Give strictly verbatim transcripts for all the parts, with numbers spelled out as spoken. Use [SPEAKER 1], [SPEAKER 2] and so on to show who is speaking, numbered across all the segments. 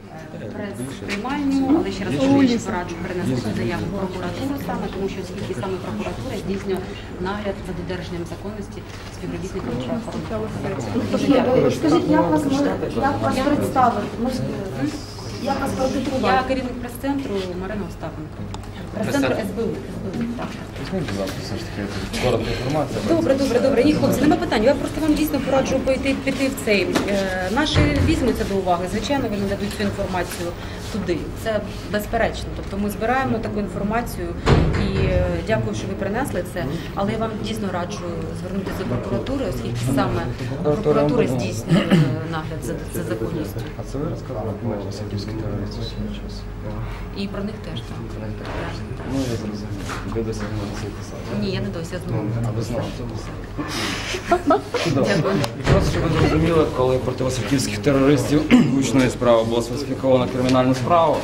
[SPEAKER 1] прес-приймальню, але ще раз кажу, що пораджу перенести заяву в прокуратуру саме, тому що оскільки саме прокуратура здійснює нагляд за додержанням законності співробітників правоохоронних.
[SPEAKER 2] Скажіть, як вас, як вас представити? Як вас продиктувати?
[SPEAKER 1] Я керівник прес-центру Марина Остапенко. Прес-центру ес бе у. Так.
[SPEAKER 3] Візьміть, будь ласка, все ж таки коротка інформація.
[SPEAKER 1] Добре, добре, добре. Ні, хлопці, нема питань. Я просто вам дійсно пораджу пойти, піти в цей. Е, наші візьмуться до уваги. Звичайно, вони нададуть цю інформацію туди. Це безперечно. Тобто ми збираємо таку інформацію і е, дякую, що ви принесли це. Але я вам дійсно раджу звернутися до прокуратури, оскільки саме прокуратура здійснює нагляд за, за законністю.
[SPEAKER 3] А це ви розказали про васильківських терористів свого часу?
[SPEAKER 1] І про них теж так.
[SPEAKER 3] Ну, я зрозумів. Ви досі не досі писати?
[SPEAKER 1] Ні, я не досі, я знову.
[SPEAKER 3] А ви знали?
[SPEAKER 1] Дякую.
[SPEAKER 3] Просто, щоб ви зрозуміли, коли проти васильківських терористів гучної справи було сфальсифіковано кримінальну справу,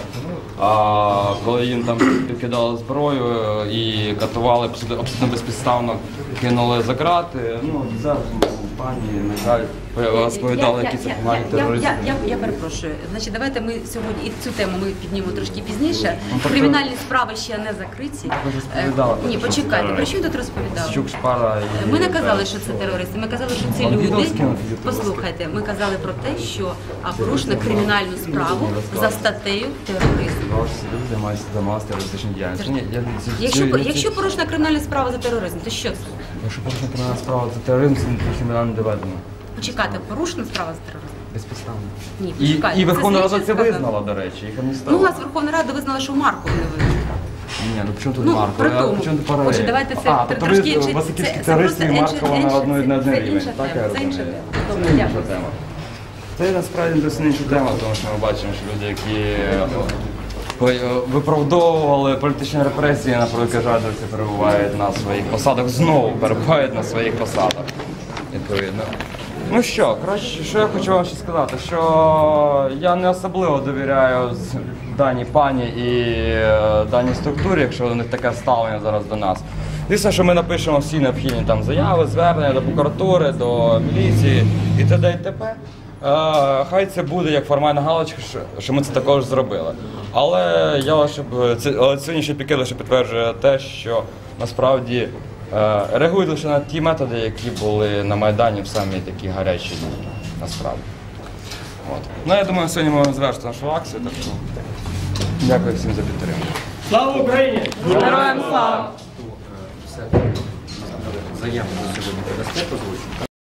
[SPEAKER 3] а коли їм там підкидали зброю і катували, абсолютно безпідставно кинули за грати, ну, це пані, на жаль, розповідали, які це погані терористи.
[SPEAKER 1] Я, я, я, я перепрошую. Значить, давайте ми сьогодні, і цю тему ми піднімемо трошки пізніше. Кримінальні справи ще не закриті.
[SPEAKER 3] Ви ж розповідали.
[SPEAKER 1] Ні, почекайте, про що я тут розповідала?
[SPEAKER 3] Щук, Шпара і...
[SPEAKER 1] Ми не казали, що це терористи, ми казали, що ці люди, послухайте, ми казали про те, що порушено кримінальну справу за статтею тероризм.
[SPEAKER 3] Люди займаються займалися терористичною діяльністю. Ні, я- це-
[SPEAKER 1] Якщо,
[SPEAKER 3] це-
[SPEAKER 1] якщо порушена кримінальна справа за тероризм, то що це?
[SPEAKER 3] Якщо порушена кримінальна справа за тероризм, це кримінально не доведено.
[SPEAKER 1] Почекайте, порушена справа за тероризм?
[SPEAKER 3] Безпідставно.
[SPEAKER 1] Ні,
[SPEAKER 3] І,
[SPEAKER 1] почекайте.
[SPEAKER 3] і Верховна Рада
[SPEAKER 1] слідчий
[SPEAKER 3] це
[SPEAKER 1] сказав.
[SPEAKER 3] визнала, до речі, їх
[SPEAKER 1] Ну, у
[SPEAKER 3] амністувала.
[SPEAKER 1] нас Верховна Рада визнала, що Марков не винен.
[SPEAKER 3] Ні, ну при чому тут
[SPEAKER 1] Ну,
[SPEAKER 3] Марко?
[SPEAKER 1] при
[SPEAKER 3] А
[SPEAKER 1] тому.
[SPEAKER 3] при чому тут паралель?
[SPEAKER 1] Отже, давайте це
[SPEAKER 3] а,
[SPEAKER 1] тр-
[SPEAKER 3] тобто
[SPEAKER 1] трошки
[SPEAKER 3] ви
[SPEAKER 1] інше-
[SPEAKER 3] васильківські
[SPEAKER 1] це- це
[SPEAKER 3] терористи і
[SPEAKER 1] просто
[SPEAKER 3] Маркова
[SPEAKER 1] інше-
[SPEAKER 3] на одну
[SPEAKER 1] інше-
[SPEAKER 3] на один
[SPEAKER 1] це
[SPEAKER 3] рівень.
[SPEAKER 1] інша
[SPEAKER 3] Так,
[SPEAKER 1] тема,
[SPEAKER 3] я
[SPEAKER 1] це
[SPEAKER 3] розумію.
[SPEAKER 1] інша тема.
[SPEAKER 3] Це
[SPEAKER 1] Добре,
[SPEAKER 3] інша
[SPEAKER 1] дякую.
[SPEAKER 3] тема. Це насправді досить інша тема, тому що ми бачимо, що люди, які е, виправдовували політичні репресії, на превеликий жаль, досі перебувають на своїх посадах, знову перебувають на своїх посадах, відповідно. Ну що, коротше, що я хочу вам ще сказати, що я не особливо довіряю з- даній пані і е, даній структурі, якщо у них таке ставлення зараз до нас. Звісно, що ми напишемо всі необхідні там заяви, звернення до прокуратури, до міліції і т.д. і т.п. Е, Хай це буде як формальна галочка, що- що ми це також зробили. Але я щоб це але сьогоднішній пікет лише підтверджує те, що насправді е, реагують лише на ті методи, які були на Майдані в самі такі гарячі дні, насправді. От. Ну, я думаю, сьогодні ми завершити нашу акцію, так що дякую всім за підтримку.
[SPEAKER 4] Слава Україні!
[SPEAKER 1] Героям слава!
[SPEAKER 5] Заяву сьогодні подасте, позвучити.